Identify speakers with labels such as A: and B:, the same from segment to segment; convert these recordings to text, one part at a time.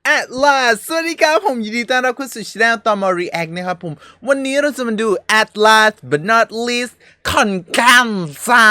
A: At last สวัสดีครับผมยินดีต้อนรับเข้าสู่ช่องต่อมา React นะครับผมวันนี้เราจะมาดู At last but not least ขอนแก่นจ้า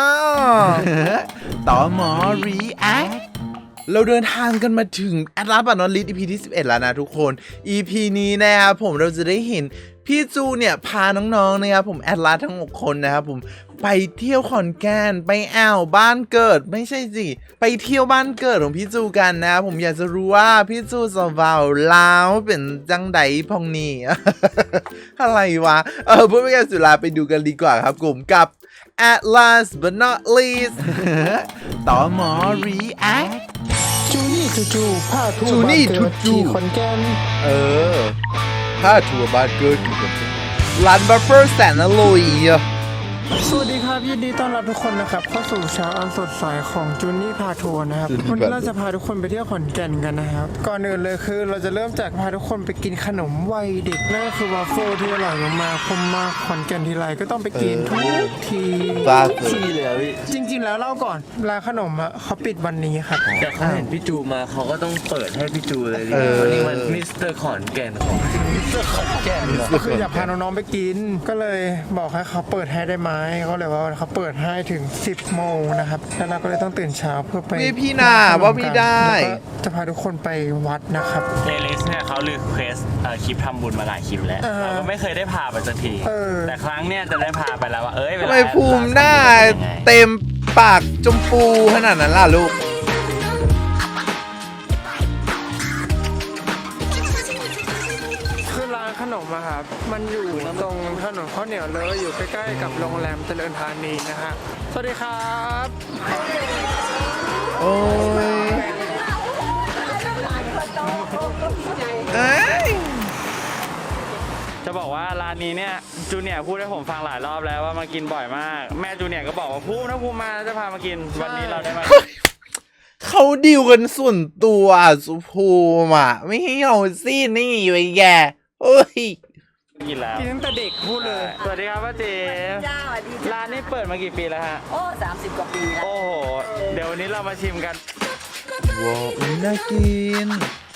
A: ต่อมา React เราเดินทางกันมาถึง At last but not least EP ที่ 11 แล้วนะทุกคน EP นี้นะครับผมเราจะได้เห็นพี่จูเนี่ยพาน้องๆนะครับผมแอดลาสทั้ง6คนนะครับผมไปเที่ยวขอนแก่นไปบ้านเกิดไม่ใช่สิไปเที่ยวบ้านเกิดของพี่จูกันนะครับผมอยากจะรู้ว่าพี่จูสาวลาวเป็นจังไดพองนี่ อะไรวะเพื่อไม่ให้สุราไปดูกันดีกว่าครับผมกับ At last but not least ต่อหมอ React
B: จูนี่จูผ้าทั่ว
A: จูนี่
B: บ้านเกิด
A: จู
B: ที่ขอนแก่น
A: ถ้าทัวร์บ้านเกิดอยู่กันร้านบัฟเฟอร์แสนอร่อย
B: สวัสดีครับยินดีต้อนรับทุกคนนะครับเข้าสู่เช้าอันสดใสของจูนี่พาทัวร์นะครับวันนี้เราจะพาทุกคนไปเที่ยวขอนแก่นกันนะครับก่อนอื่นเลยคือเราจะเริ่มจากพาทุกคนไปกินขนมวัยเด็กนั่นก็คือวาฟเฟิลที่อร่อยมากๆผมมาขอนแก่นทีไรก็ต้องไปกินทุกที
A: บ้า
C: ที่เลยอะพี่
B: จริงๆแล้วเล่าก่อนร้านขนมอ่ะเขาปิดวันนี้ครับ
C: แต่เขาเห็นพี่จูมาเขาก็ต้องเปิดให้พี่จูเลยดิวันนี้มันมิสเตอร์ขอนแก่นของขอนแก่น
B: ก็คืออยากพาน้องๆไปกิน ก็เลยบอกให้เขาเปิดให้ได้ไหมเขาเลยว่าเขาเปิดให้ถึง 10 โมงนะครับแล้วเราก็เลยต้องตื่นเช้าเพื่อไป
A: พี่นาว่าไม่ได้
B: แล้วก็จะพาทุกคนไปวัดนะครับ
D: เอลิสเนี่ยเขารีเควสคลิปทำบุญมาหลายคลิปแล้ว เราก็ไม่เคยได้พาไปสักที แต่ครั้งเนี่ยจะได้พาไปแล้วว่าเเว
A: ทำ
D: ลา
A: ไมภูมิหน้าเต็มปากจมปูขนาดนั้นล่ะลูก
B: คือร้านขนมอะครับมันอยู่ตรงถนนข้าวเหนียวเลยอยู่ใกล้ๆกับโรงแรมเจริญธานีนะฮะสวัสดีครับ
A: โอ้ยเอ้ย
D: จะบอกว่าร้านนี้เนี่ยจูเนียร์พูดให้ผมฟังหลายรอบแล้วว่ามากินบ่อยมาก แม่จูเนียร์ก็บอกว่าพูดนะพูดมาจะพามากินวันนี้เราได้มา
A: เขาดิวกันส่วนตัวสุภูมิอ่ะ ไม่ให้เอาซี่นี่ไว้แกเฮ้ย
D: กินแล้ว
B: กินตั้งแต่เด็กพูดเลย
D: สวัสดีครับป้าเจ๋
E: จ้าสวัสดีจ้า
D: ร้านนี้เปิดมากี่ปีแล้วฮะ
E: โอ้30 กว่าปีแล้ว
D: โอ้โหเดี๋ยววันนี้เรามาชิมกัน
A: ว้าวอุ้ยน่ากิน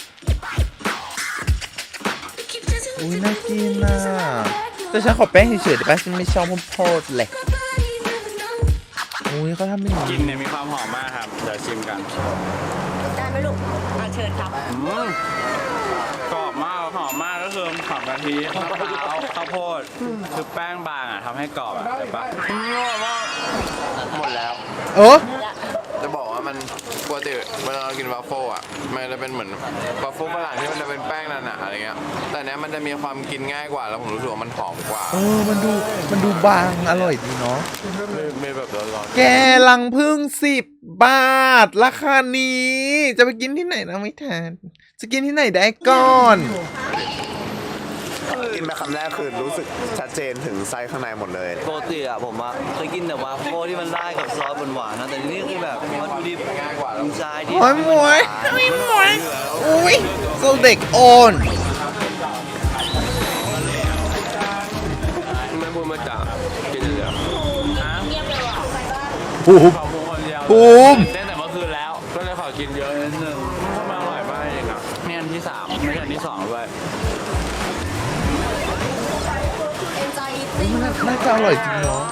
A: อุ้ยน่ากินน่ะแต่ฉันขอแป้งเฉยๆได้ปะฉันไม่ชอบพวกโพดแหละอุ้ยเขาทำเป็นอย่าง
D: กลิ
A: นี้
D: นเนี่ยมีความหอมมากครับเดี๋ยวชิมกัน
E: ได้ไหมลูกเชิญครับ
D: กรอบมากหอมมากก็คือหอมกะทิมะพร้าวข้าวโพดคือแป้งบางอ่ะทำให้กรอบอ่ะเห็นปะ
C: หมดแล้ว
A: โอ้
C: จะบอกว่ามันปกติเวลาเรากินวาฟเฟิลอ่ะมันจะเป็นเหมือนวาฟเฟิลฝรั่งที่มันจะเป็นแป้งหนาๆอะไรเงี้ยแต่เนี้ยมันจะมีความกินง่ายกว่าแล้วผมรู้สึกว่ามันหอมกว่า
A: มันดูบางอร่อยดีเนาะ
C: ไม่แบบร้อน
A: แกลังพึ่ง10 บาท ราคานี้ จะไปกินที่ไหนนะไม่ทานจะกินที่ไหนได้ก่อน
F: กินไปคำแรกคือรู้สึกชัดเจนถึงไส้ข้างในหมดเลย
G: ปกติอะผมอะเคยกินแต่วาฟเฟิลที่มันราดกับซอสหวานๆนะแต่นี่คือแบบวัตถุดิบอินไซด์ที่
A: โอ้ยหมวยอุ้ยโซเด็กอ่อน
C: ไม่พูดมาจากกินเลย
A: ภูมิ
D: ขอบคุณคนเดียว
A: ภูมิ
D: เต้นแต่เมื่อคืนแล้ว ก็เลยขอกินเยอะนิดนึงทำไมอร่อยมากเองอ่ะนี่อันที่3ไม่ใช่อันที่2ด้วย
A: น่าจะอร่อยจริงเนาะ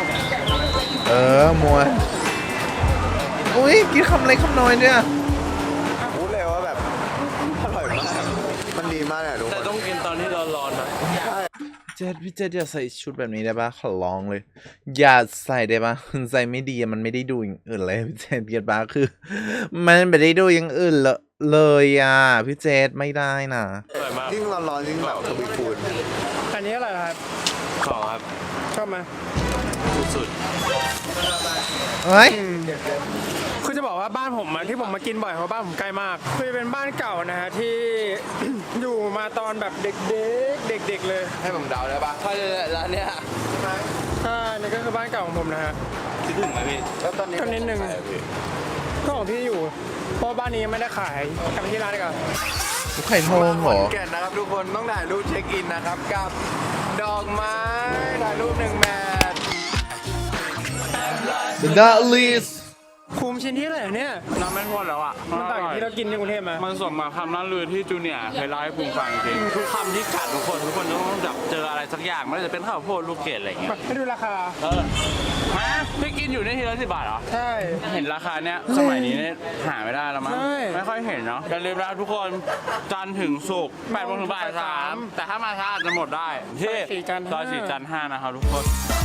A: มวยอุ้ยกินคำเล็กคำน้อยเนี่ย
F: พูดเลยว่าแบบอร่อยมาก มันดีมากเลยทุกค
D: แต่
F: น
D: ต้องกินตอนที่ร้อนๆนะ
A: พี่เจษอย่าใส่ชุดแบบนี้ได้ปะขอร้องเลย อย่าใส่ได้ปะใส่ไม่ดีมันไม่ได้ดูอย่างอื่นเลยพี่เจษเกียรปะคือ มันไม่ได้ดูอย่างอื่นเลยอ่ะพี่เจษไม่ได้นะ
D: อร่อยมาก
F: ยิ่งร้อนๆยิ่งแบบทวีคูณ
B: อันนี้อะไรครับ
D: ของครับ
B: ชอบไหม
D: สุด
A: เฮ้ย
B: คือจะบอกว่าบ้านผมอะที่ผมมากินบ่อยเพราะบ้านผมใกล้มากคือเป็นบ้านเก่านะฮะที่ อยู่มาตอนแบบเด็กๆเลย
C: ให้ผมเดาได้ปะถ้าร้านเนี้ย
B: นี่ก็คือบ้านเก่าของผมนะฮะ
D: ๆคิดถึงไหมพี่
C: แล้วตอนนี้
B: ก็นิดนึง ก็ของพี่อยู่ เพราะบ้านนี้ยังไม่ได้ขายกลับไปที่ร้านดีกว่า
A: ไข่ทองเหรอ
C: แก่นนะครับทุกคนต้องถ่ายรูปเช็คอินนะครับกับดอกไม้ถ่ายรูป1 แมท
A: The Not Least
B: ภูมิชิ้นที่ไหนเนี่ย
D: น้ำไม่พ้นแล้วอ่ะ
B: มันต่างจากที่เรากินที่กรุงเทพไหม
D: มันสมมาคำนั้นลือที่จูเนียร์เคยเล่าให้ภูมิฟังจริงทุกคำที่กัดทุกคนต้องแบบเจออะไรสักอย่างไม่ว่าจะเป็นข้าวโพดลูกเกดอะไรอย่างเงี้ย
B: ให้ดูราคา
D: มาพี่กินอยู่ในทีละ10 บาทเหรอ
B: ใช่
D: เห็นราคาเนี้ยสมัยนี้เนี่ยหาไม่ได้แล้วมั้ง
B: ใช่
D: ไม่ค่อยเห็นเนาะอย่าลืมนะทุกคนจันทร์ถึงศุกร์8 โมงถึงบ่าย 3แต่ถ้ามาช้าอาจจะหมดได้ที่ซอย4 จันทร์ 5นะครับทุกคน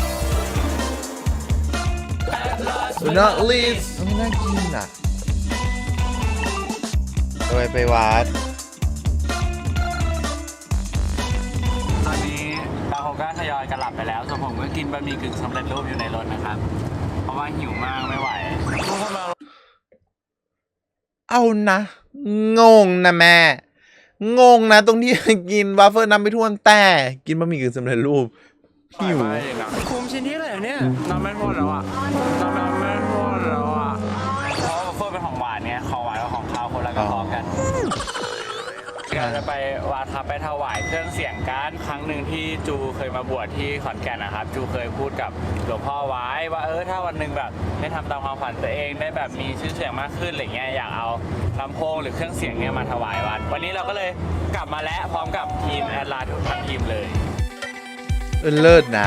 A: not least ไม่น่ากินอ่ะไปวัด
D: ตอนนี้บางคนก็ทยอยกันหลับไปแล้วส่วนผมก็กินบะหมี่กึ่งสำเร็จรูปอยู่ในรถนะครับ เพราะว่าหิวมากไม่ไหว
A: เอานะ งงนะแม่ งงนะตรงที่ กินวาฟเฟิลน้ำไม่ท่วนแต่กินบะหมี่กึ่งสำเร็จรูปหิว
B: ภูมิชิ้นที่ไหนเนี่ย
D: น้ำไม่พ้นแล้วอ่ะน้ำไม่พ้นแล้วอ่ะเพราะว่าเฟิร์เป็นของหวานเนี่ยของหวานกับของคาวคนละกระเพาะกันเราจะไปวัดครับไปถวายเครื่องเสียงกันครั้งหนึ่งที่จูเคยมาบวชที่ขอนแก่นนะครับจูเคยพูดกับหลวงพ่อไว้ว่าถ้าวันหนึ่งแบบได้ทำตามความฝันตัวเองได้แบบมีชื่อเสียงมากขึ้นอะไรเงี้ยอยากเอาลำโพงหรือเครื่องเสียงเนี่ยมาถวายวัดวันนี้เราก็เลยกลับมาแล้วพร้อมกับทีมแอดลาทุกทั้งทีมเลย
A: เลิศนะ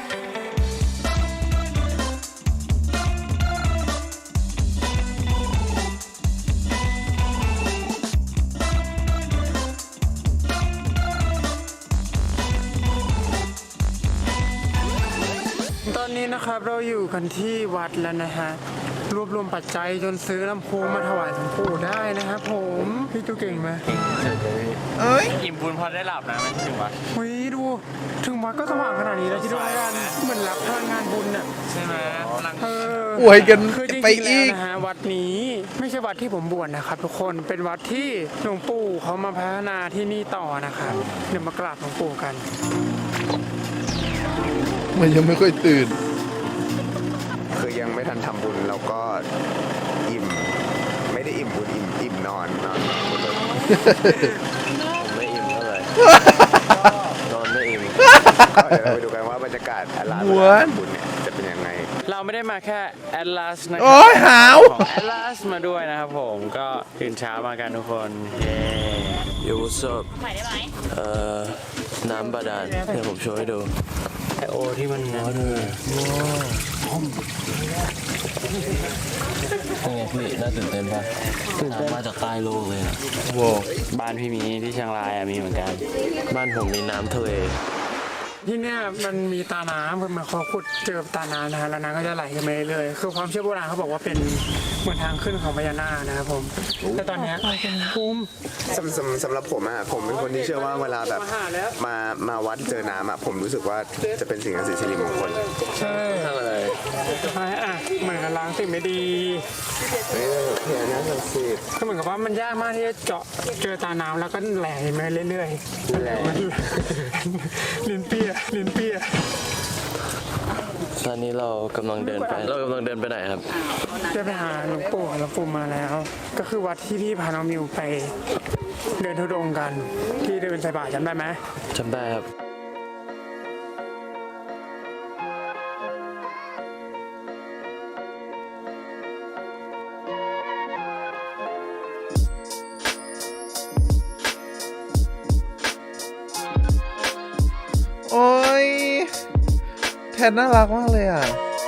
B: ตอนนี้นะครับเราอยู่กันที่วัดแล้วนะฮะรวบรวมปัจจัยจนซื้อลำโพงมาถวายหลวงปู่ได้นะครับผมพี่จูเก่งไหม
A: เอ้ย
D: อิ่มบุญพอได้หลับนะไม่ถึงวะ
B: เฮ้ยดูถึงวัดก็สว่างขนาดนี้แล้วที่ดูกันเหมือนรับพลังงานบุญอ่ะ
D: ใช่ไหมพลัง
A: อวยกัน
B: คือจริง
A: ไป
B: ๆ
A: อีก
B: แล้วนะฮะวัดนี้ไม่ใช่วัดที่ผมบวชนะครับทุกคนเป็นวัดที่หลวงปู่เขามาพัฒนาที่นี่ต่อนะครับเดี๋ยวมากราบหลวงปู่กัน
A: มันยังไม่ค่อยตื่น
F: คือยังไม่ทันทำบุญเราก็อิ่ม ไม่ได้อิ่มบุญอิ่มนอนนอนบุญเลย
G: ผมไม่อิ่มเท่าไหร่นอนไม่อิ่ม
F: ก็เดี๋ยวเราไปดูกันว่าบรรยากาศอลา
A: ม้วน
F: บุญเนี่ยจะเป็นยังไง
D: เราไม่ได้มาแค่แอดลาสนะค
A: โอ้
D: รั
A: ยหาว
D: ของแอดลาสมาด้วยนะครับผมก็ตื่นเช้ามากันทุกคนเย้
G: ยูสบน้ำบาดาลเดี๋ยวผมโชว์ให้ดู
D: ไอโอที่มันนะ
G: นี่ไงพี่น่าตื่นเต้นป่ะตื่นเต้นมาจากใต้โลกเลยนะ
A: โว้
D: บ้านพี่มีที่เชียงรายอะมีเหมือนกัน
G: บ้านผมมีน้ำทะเล
B: ที่เนี่ยมันมีตาน้ำคือมันเขาขุดเจอตาน้ำนะฮะแล้วน้ำก็จะไหลกันไปเรื่อยๆคือความเชื่อโบราณเขาบอกว่าเป็นเหมือนทางขึ้นของพญานาคนะครับผมแต่ตอนเนี้ยภูมิ
F: สำหรับผมอะผมเป็นคนที่เชื่อว่าเวลาแบบ
B: มาหาแล้ว
F: มาวัดเจอน้ำอะผมรู้สึกว่าจะเป็นสิ่งศักดิ์สิทธิ์สิริมงคล
B: ใช่ทำอะไรเหมือนกับล้างสิ่งไม่ดี
F: เฮ้ยพญานาคศักดิ์สิทธิ์
B: ก็เหมือนกับว่ามันยากมากที่จะเจาะเจอตาน้ำแล้วก็ไหลมาเรื่อยๆแหลลิ้นเปียลิ้นเปีย
G: ตอนนี้เรากำลังเดินไปไหนครับ
B: ได้ไปหาหลวงปู่มาแล้ว ก็คือวัดที่พี่พาน้องมิวไปเดินธุดงค์กันที่เดินใส่บาตรจำได้ไหม
G: จำได้ครับ
A: โอ้ยแทนน่ารักมากเลยอ่ะ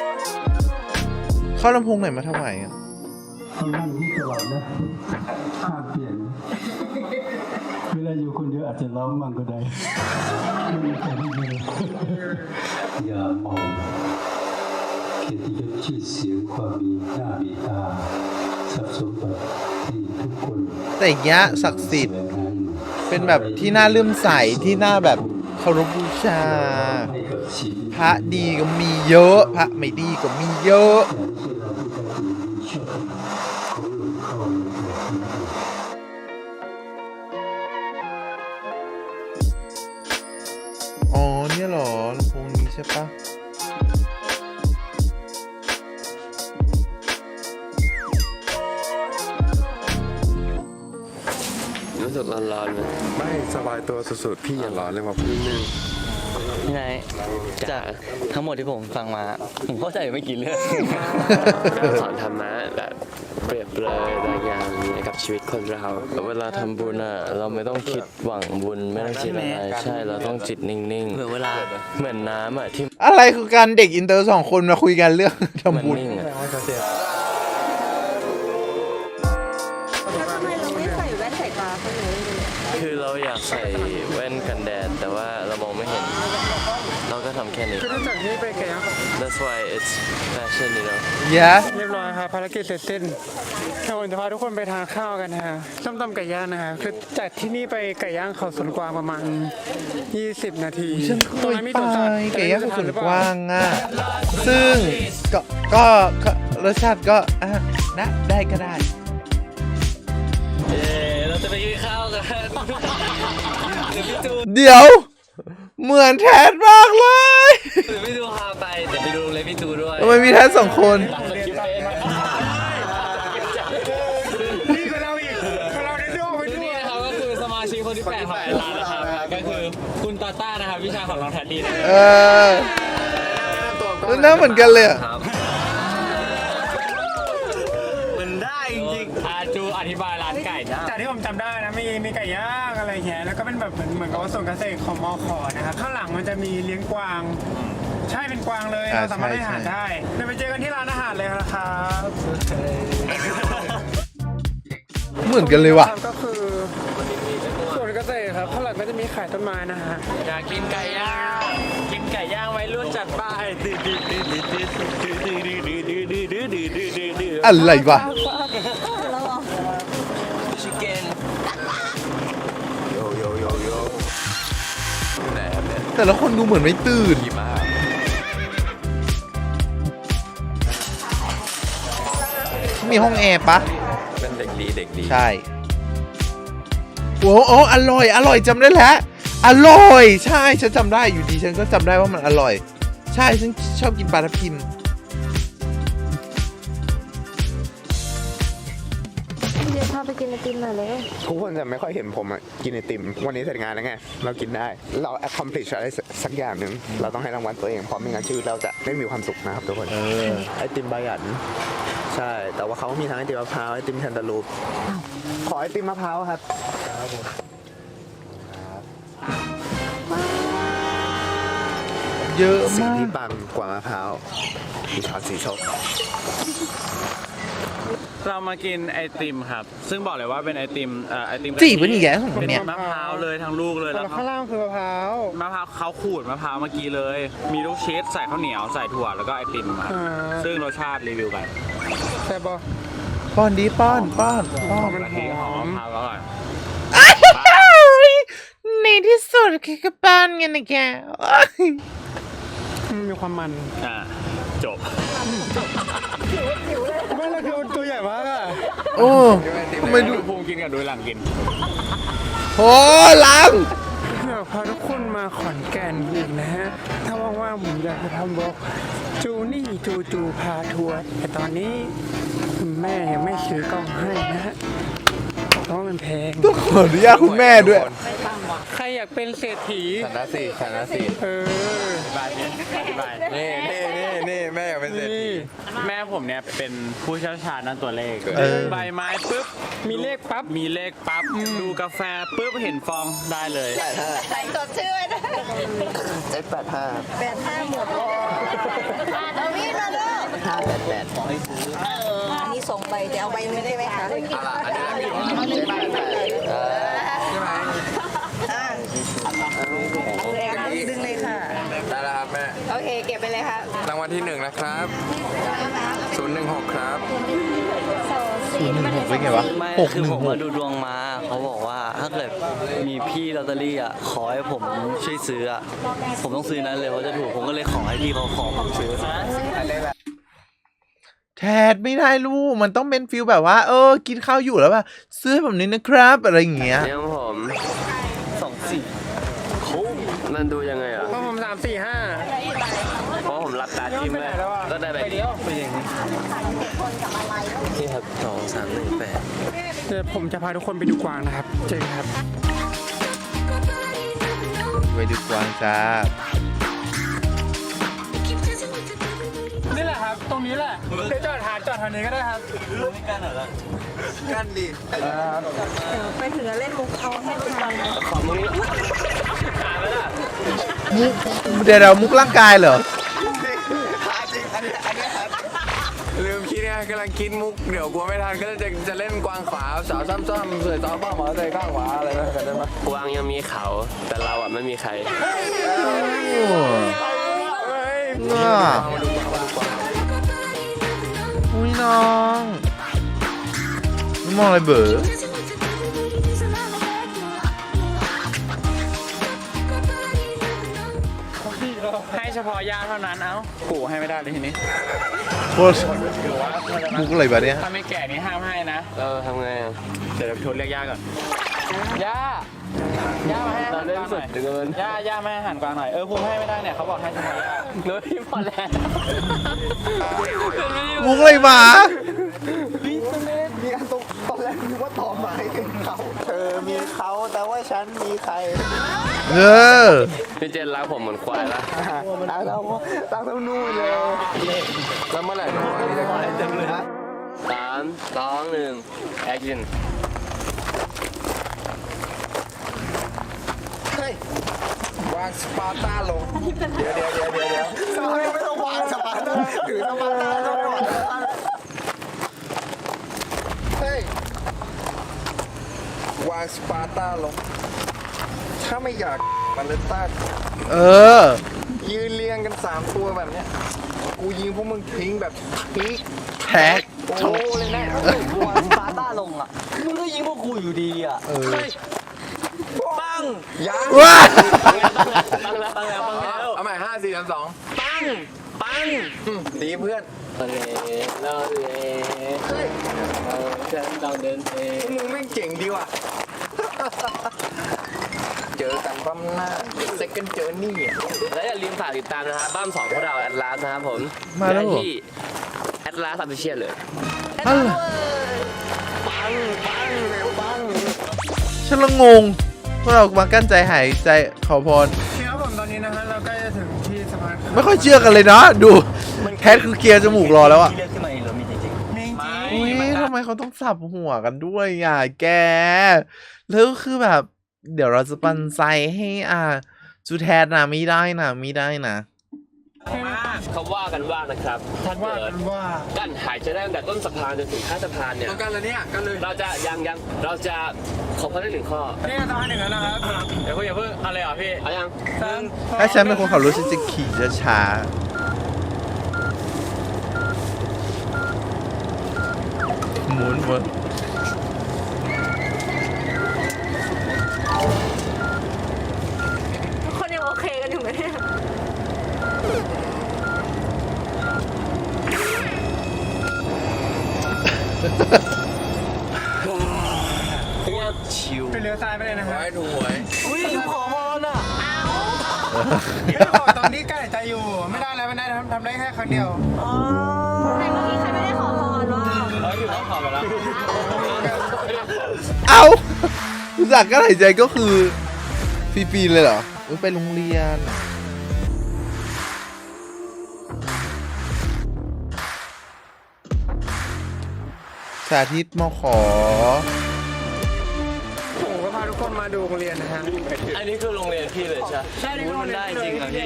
A: เข้าลำโพงไหนมาถวายอ่ะ
H: ทำงานที่ตลอดนะห้ามเปลี่ยน เวลาอยู่คนเดียวอาจจะร้องมั่งก็ได้ไม่มีใครที่เลยอย่ามองเกียรติยศชื่อเสียงความมีหน้ามีตาทรัพย์สมบัติที่ทุกคน
A: แต่อย่างเงี้ยศักดิ์สิทธิ์
H: แสวงหาอยู่
A: เป็นแบบที่น่าเลื่อมใสที่น่าแบบเคารพบูชา
H: ให้กับชีวิต
A: พระดีก็มีเยอะ พระไม่ดีก็มีเยอะ
H: แต่ไม่ใช่เราที่จะถือมีชอบของหลวงเข้าในแบบนี้
A: อ๋อเนี่ยเหรอลำโพงนี้ใช่ปะ
G: รู้สึกร้อนๆไหม
F: ไม่สบายตัวสุดๆ พี่อย่าร้อนเลยว่าพี่นึง
G: ยังไงจากทั้งหมดที่ผมฟังมา ผมเข้าใจไม่กี่เรื่อง
I: สอนธรรมะแบบเปรียบเลยบางอย่างให้กับชีวิตคนเราเวลาทำบุญอ่ะเราไม่ต้องคิดหวังบุญไม่ต้องคิดอะไรใช่เราต้องจิตนิ่งๆ
G: เหมือนเวลา
I: เหมือนน้ำอ่ะที่
A: อะไรคือการเด็กอินเตอร์2 คนมาคุยกันเรื่อง
I: มัน
A: ทำบุญ
I: นิ่งอ่ะ
E: ทำไมเราไม่ใส่แว่นสายตาเขาเลย
I: คือเราอยากใส่แว่นกันแดดแต่ว่าเรามองไม่เห็น เราก็ทำแค่นี้
B: คือตั้งจากนี้ไปไก่ย่าง
I: That's why it's fashion you know
A: yes
B: เรียบร้อยครับภารกิจเสร็จสิ้นเราจะพาทุกคนไปทานข้าวกันนะฮะส้มตำไก่ย่างนะฮะคือจากที่นี่ไปไก่ย่างเขาสวนกวางประมาณ 20 นาที
A: ฉันเค
B: ตรง
A: ย
B: นั้นมี
A: ไป
B: สวนสัตว์
A: ไก่ย่างสุดกว้างอ่ะ ซึ่งก็รสชาติก็นะได้ก็ได้
D: เราจะไปกินข้าวกันเดี๋ยวพี่จู
A: เดี๋ยว เหมือนแทนมากเลย
D: เดี๋ยวพี่จูพาไปเดี๋ยวไปดูเลยพี่จูด้วย
A: ทำไมมีแทน2 คน
B: นี่ก็เราอีกเราได้ด้วยไปด้ว
D: นี่
B: ย
D: นะครับก็คือสมาชิกคนที่8ของร้านนะครับก็คือคุณตาต้านะครับพี่ชายของน้องแทดดี้นะ
A: เออหน้าเหมือนกันเลยอะ
D: ครับ
G: มันได้จริง
D: อาจูอธิบายร้านไก่นะ
B: จากที่ผมจำได้นะมีไก่ย่างอะไรเงี้ยแล้วก็เป็นแบบเหมือนกับว่าส่วนเกษตรของมอขอนะครับข้างหลังมันจะมีเลี้ยงกวาง ใช่เป็นกวางเลยเราสามารถให้อาหารได้เดี๋ยวไปเจอกันที่ร้านอาหารเลยนะครับ
A: เหมือนกันเลยว่ะ
B: ก็คือส่วนเกษตรครับข้างหลังก็จะมีขายต้นไม้นะฮะ
D: อยากกินไก่ย่างกินไก่ย่างไว้รุ่นจัดไปดื้อดื้อดื้อดื้อดื้อดื้อดื้อดื้อดื้อดื้อดื้อดื้อดื้อดื้อดื้อ
A: อะไรวะ
G: ๆชิคเก้น
F: โยโยโยโย
C: ไหนครับเนี่ย
A: แต่ละคนดูเหมือนไม่ตื่น
C: กี่มาก
A: มีห้องแอร์ปะ
C: เป็นเด็กดีเด็กดี
A: ใช่โอ้โอ้อร่อย อร่อยจำได้แล้ว อร่อย ใช่ ฉันจำได้อยู่ดี ฉันก็จำได้ว่ามันอร่อย ใช่ ฉันชอบกินปลาทับทิม
E: เดี๋ยวพาไปกินไอติมหน่อยเลย
F: ทุกคนจะไม่ค่อยเห็นผมอะกินไอติม วันนี้เสร็จงานแล้วไง เรากินได้ เรา accomplish อะไรสักอย่างหนึ่ง เราต้องให้รางวัลตัวเองเพราะไม่งั้นชีวิตเราจะไม่มีความสุขนะครับทุกคน ไอติมบายัน ใช่ แต่ว่าเขามีทั้งไอติมมะพร้าวไอติมแคนตาลูป ขอไอติมมะพร้าวครับ
A: เยอะ
F: สิ่ง
A: มาก
F: ที่ปังกว่ามะพร้าวมีช้อนสีส้ม
D: เรามากินไอติมครับ ซึ่งบอกเลยว่าเป็นไอติมไอติม
A: จีบเป็นอีกแล้วของ
D: เป็น
A: เนี่ย
D: มะพร้าวเลยทั้งลูกเลย
B: แต่
D: แล้ว
B: ข้างล่างคือมะพร้าว
D: มะพร้าวเขาขูดมะพร้าวเมื่อกี้เลย มีลูกชีสใส่ข้าวเหนียวใส่ถั่วแล้วก็ไอติมครับซึ่งรสชาติรีวิวไป
B: แต่บอ
A: ป้อนดีป้อนป้อน
B: มัน
D: กะ
B: ห
D: ทิห
B: อ
D: อม
B: ม
D: มะพร้าวอร่อย
A: ในที่สุดคือกระป้อนกันนะแก
B: มันมีความมัน
D: จบ
B: ไม่ละคือตัวใหญ่มากอะ
A: โอ้ทำไมดู
D: ดูภูมิกินกับดูหลังกิน
A: โอ้ลัง
B: อยากพาทุกคนมาขอนแก่นอีกนะฮะ ถ้าว่างๆผมอยากจะทำบล็อกจูนี่จูพาทัวร์แต่ตอนนี้คุณแม่ยังไม่ซื้อกล้องให้นะฮะเพราะมันแพง
A: ต้องขออนุญาตคุณแม่ด้วย
B: ใครอยากเป็นเศรษฐี
C: ฐานะสี่ฐานะสี่
B: เออ
D: อธิบายนี่อธิบาย
C: นี่แม่อยากเป็นเศรษฐี
D: แม่ผมเนี่ยเป็นผู้เชี่ยวชาญด้านตัวเลข
A: เออ
D: ใบไม้ปุ๊บ
B: มีเลขปั๊บ
D: มีเลขปั๊บ ดูกาแฟปุ๊บเห็นฟองได้เลย
E: ใส่จดชื่อไว้นะ
F: 785
E: 85หมดเลยเอามีดมาดู
F: 588
E: อันนี้ส่งไปจะเอาใบไม่ได้ไหมคะ ดึงเลยค่ะ
C: ได้แล้วครับแม่
E: โอเค เก็บไปเลยค่ะ
C: รางวัลที่ 1 นะครับ 016 ครับ
A: 016เป็นไงวะ
G: ไม่คือผมมาดูดวงมาเขาบอกว่าถ้าเกิดมีพี่ลอตเตอรี่อ่ะขอให้ผมช่วยซื้ออ่ะผมต้องซื้อนั้นเลยว่าจะถูกผมก็เลยขอให้พี่เขาขอผมซื้อ
A: แทดไม่ได้ลูก มันต้องเป็นฟิลแบบว่า กินข้าวอยู่แล้วป่ะซื้อให้ผมนิดนะครับ อะไรอย่างเงี้ย
I: ยังผม
G: 24
I: มันดูยังไงอ่ะ
B: เพราะผม3 4
I: เพราะผมรับการที่แม่ก็ได้แบบนี้เป็นอย่างนี้นี่ครับ2318
B: 5เดี๋ยวผมจะพาทุกคนไปดูกวางนะครับ เจอกันครับ
A: ไปดูกวางจ้า
B: นี่แหละครับตรงนี้แหละเดี๋ยวจอดแถวนี้ก็ได้ครับ
G: ไม่กล้าหน่อยละ
F: กันดิ
E: ไปถึงแล้วเล่นมุกเอาให้ทุกคน
G: ขอมือขาไปละ
A: เดี๋ยวมุกร่างกายเหรอ
C: ลืมคิดไงกำลังคิดมุกเดี๋ยวกลัวไม่ทันก็จะเล่นกวางขวาสาวซ้ำๆเสือซ้ำบ้าหมอใจข้างขวาอะไรนะกันได้ไหม
I: กวางยังมีเขาแต่เราอ่ะไม่มีใคร
A: น่าอุ้ยน้องมองอะไรเบ๋อ
D: ให้เฉพาะญาติเท่านั้นเอ้าปู่ให้ไม่ได้เลยทีนี้
A: โคตรมุกอะไรแบบเนี้ย
D: ถ้าไม่แก่นี่ห้ามให้นะ
I: ทำไงอ่ะ
D: เดี๋ยวโทรเรียกย่าก่อน ย่า ย่ามาให้อา
I: เรา
D: หาร
I: เล่
D: ก
I: น
D: วางห
I: สุ
D: น่
I: ด
D: อย
I: เกิน
D: ย่ามาให้อาหารกวางหน่อย ภูมิให้ไม่ได้เนี่ยเขาบอกให้เฉพาะย่าเฮ้ยพอแล้ว
A: มุกอะไรหมา
F: มีอันตอนแรกนึกว่าต่อไม้เป็นเขาเธอมีเขาแต่ว่าฉันมีใคร
A: เออ
I: พี่เจนรักผมเหมือนควายละ
F: ตั้งเท่านู่นเลย
C: แล้วเมื่อไหร่จะมาที่จะขายเต็มเลย
I: 3 2 1 แอคชั่น
C: วางสปาร์ต้าลง เดี๋ยว
F: สปาร์ตาไม่ต้องวางสปาร์ตาถือสปาร์ตาต้องไม่วาง
C: เฮ้ย วางสปาร์ต้าลง ถ้าไม่อยากมันเลยต้า
A: เออ
C: ยืนเรียงกัน 3 ตัวแบบเนี้ย กูยิงพวกมึงทิ้งแบบพีก
A: แท็ก
C: โชว์เลยนะ
G: วางสปาร์ต้าลงอ่ะ มึงก็ยิงพวกกูอยู่ดีอ่ะ
C: ปังยัง
A: ว้า
I: ตั้งแล้ว
C: เอาใหม่5 4 3 2ปังดีเพื่อน
I: เราฉันต้องเดินเอง
C: มึงแม่งเจ๋งดีว่ะ เจอกันปั๊มหน้า second journey อ่ะ
I: และอย่าลืมฝากติดตามนะครับบ้าน2พวกเราแอดลาสนะครับผม
A: มาแล้วเหรอ
I: ได้ที่แอดลาสออฟฟิเชียลเลย
A: ฉันละงงพวกเรามากั้นใจหายใจขอพร
B: ครับผมตอนนี้นะฮะเราใกล้จะถึงที่สะพาน
A: ไม่ค่อยเชื่อกันเลยนะดูแคทคือเกียร์จมูกรอแล้วอะ
G: ที่เลือกขึ้นมาเองเหรอมีจริง
A: อุ้ยทำไมเขาต้องสับหัวกันด้วยอ่ะแก แล้วคือแบบ เดี๋ยวเราจะปันใจให้จูแทนนะไม่ได้นะไม่ได้นะ
I: เขาว่ากันว่านะครับ ถ้า
B: ว่า
I: เกิด
B: กันว่า
I: กั้นหายใจได้ตั้งแต่ต้นสะพานจนถึงท้ายสะพานเนี่ย
C: ต้องกันเลยเนี่ยกันเลย
I: เราจะเราจะขอพรได้1 ข้อ
B: นี่สะพานหนึ่งแล้วนะครับ
D: อย่าเพิ่งอะไรอ่ะพี่
I: เอายัง
A: ถ้าฉันเป็นคนขับรถฉันจะขี่ช้าๆหมุน
E: ทุกคนยังโอเคกันอยู่ไหมเนี่ย
G: ชิว
B: ไปเลี้ยวซ้ายไปเลยนะฮะ
C: ไว้ถูหวย
G: อุ้ยขอพรอ่ะ
B: ไม่ขอตอนนี้ใกล้ใจอยู่ ไม่ได้แล้วไม่ได้ทำได้แค่ครั้งเดียว
E: แต่เมื่อกี้ใครไม่ได้ขอพรว่า
D: อยู่ต้องขอไปแล้ว
A: เอาอุตส่าห์กั้นหายใจก็คือฟรีๆเลยเหรออุ๊ยไปโรงเรียน สาธิตมขอ
B: ผมก็พาทุกคนมาดูโรงเรียนนะฮะ
I: อันนี้คือโรงเรียนพี่เลยใช่
B: ใช่นี่ก็โรงเรียน
G: ได้จริงเหรอพี่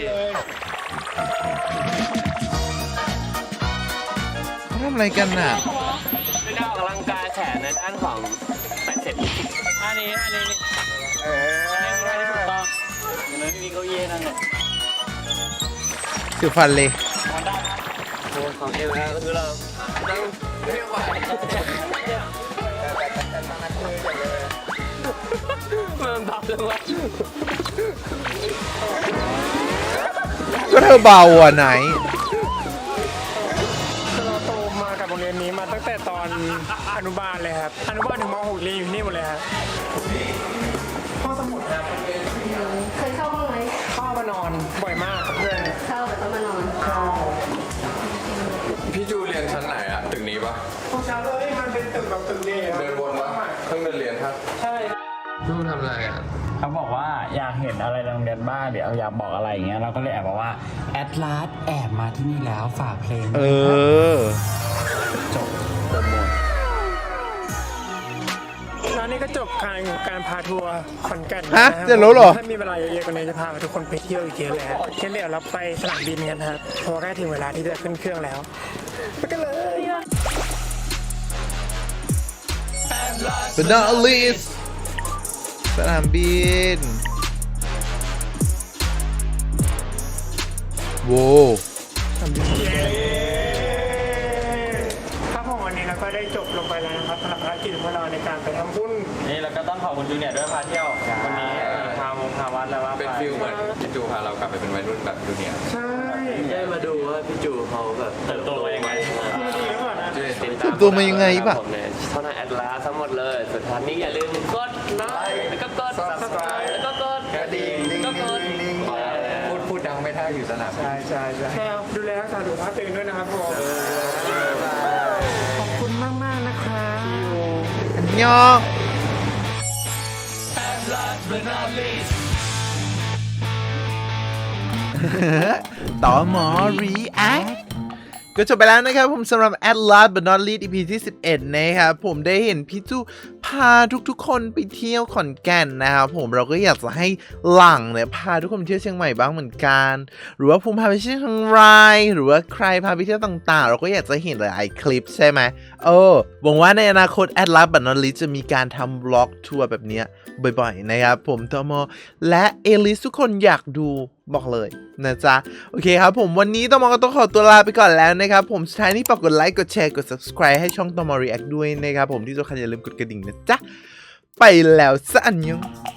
A: ทำอะไรกันน่ะ
I: เป็นการออกกำลังกายแขนในด้านของแปดเสร็จ
D: อันนี้นี่อันนี้ที่ถูกต้องเห็นไหมพี่มีเก้าอี้นั่นเนี่ย
A: คือฟันเลย
I: ของเอวนะก็คือเราต้องมันเบาจังวะ
A: ก็เธอเบาอ่ะไหน
B: คือเราโตมากับโรงเรียนนี้มาตั้งแต่ตอนอนุบาลเลยครับ อนุบาลถึงม .6 เรียนอยู่ที่นี่หมดเลยครับห้องสมุดครับ
E: เคยเข้าบ้างไหม
B: เข้ามานอนบ่อยมากกับเพื่อน
E: เข้าแต่ต้องมานอน
C: พี่จูเรียนชั้นไหนอะตึกนี้ปะ
B: พวกเช้าเลยมันเป็นตึกแบบตึกเดียว
C: เดินวนปะเพิ่งเดินเรียนครับ
B: ใช่
C: เพิ่งทำอะไรอ่ะ
D: เขาบอกว่าอยากเห็นอะไรในโรงเรียนบ้างเดี๋ยวอยากบอกอะไรอย่างเงี้ยเราก็เลยแอบบอกว่าแอดลาสแอบมาที่นี่แล้วฝากเพลง
A: เออ
D: จบโปรโมท
B: แล้วนี่ก็จบการพาทัวร์ขอนแก่น
A: ฮะ
B: นคบ
A: เสร็จแล้วเหรอ
B: ถ้ามีเวลาเยอะๆกว่านี้จะพาทุกคนไปเที่ยวอีกเยอะเลยฮะงั้นเดี๋ยวเราไปสนามบินกันครับเพราะว่าใกล้ถึงเวลาที่จะขึ้นเครื่องแล้วไปกันเลย
A: But not least สนามบินโว้
B: ครับผมวันนี้เราก็ได้จบลงไปแล้วนะครับสำหรับภารกิจของเราในการไปทำบุญ
D: นี่เราก็ต้องขอบคุณจูเนียร์ด้วยพาเที่ยววันนี้พาวัดแล้วว่า
C: เป็นฟิลเหมือนพี่จูพาเรากลับไปเป็นวัยรุ่นแบบจูเนียร์
B: ใช่
G: ได้มาดูว่าพี่จูเขาแบบ
D: เติบโตมายังไง
B: ดีแล้วก่อนนะ
A: เติบโตมายังไงป่ะ
I: เท่านั้นแอดลาทั้งหมดเลย สุดท้ายนี้อย่าลืมกดไลค์แล้วก็กด subscribe แล้วก็กด
C: กระดิ่ง
I: ก็กด
C: พูดดังไม่ได้อยู่สนาม
B: ใช่ดูแลรักษาสุขภาพตัวเองด้วยนะครับผมขอบคุณมากๆนะครับ
A: ยอง ต่อหมอ react ก็จบไปแล้วนะครับผมสำหรับ At Last But Not Least EP ที่ 11 นะครับผมได้เห็นพี่จูพาทุกๆคนไปเที่ยวขอนแก่นนะครับผมเราก็อยากจะให้หลังเนี่ยพาทุกคนไปเที่ยวเชียงใหม่บ้างเหมือนกันหรือว่าภูมิพาไปเที่ยวเชียงรายหรือว่าใครพาไปเที่ยวต่างๆ เราก็อยากจะเห็นหลายคลิปใช่ไหมหวังว่าในอนาคต At Last But Not Least จะมีการทำบล็อกทัวร์แบบเนี้ยบ่อยๆนะครับผมตมและเอลิสทุกคนอยากดูบอกเลยนะจ๊ะโอเคครับผมวันนี้ตมก็ต้องขอตัวลาไปก่อนแล้วนะครับผมสุดท้ายนี้ฝากกดไลค์กดแชร์กด subscribe ให้ช่องตม react ด้วยนะครับผมที่สำคัญอย่าลืมกดกระดิ่งนะจ๊ะไปแล้วสะอันยอง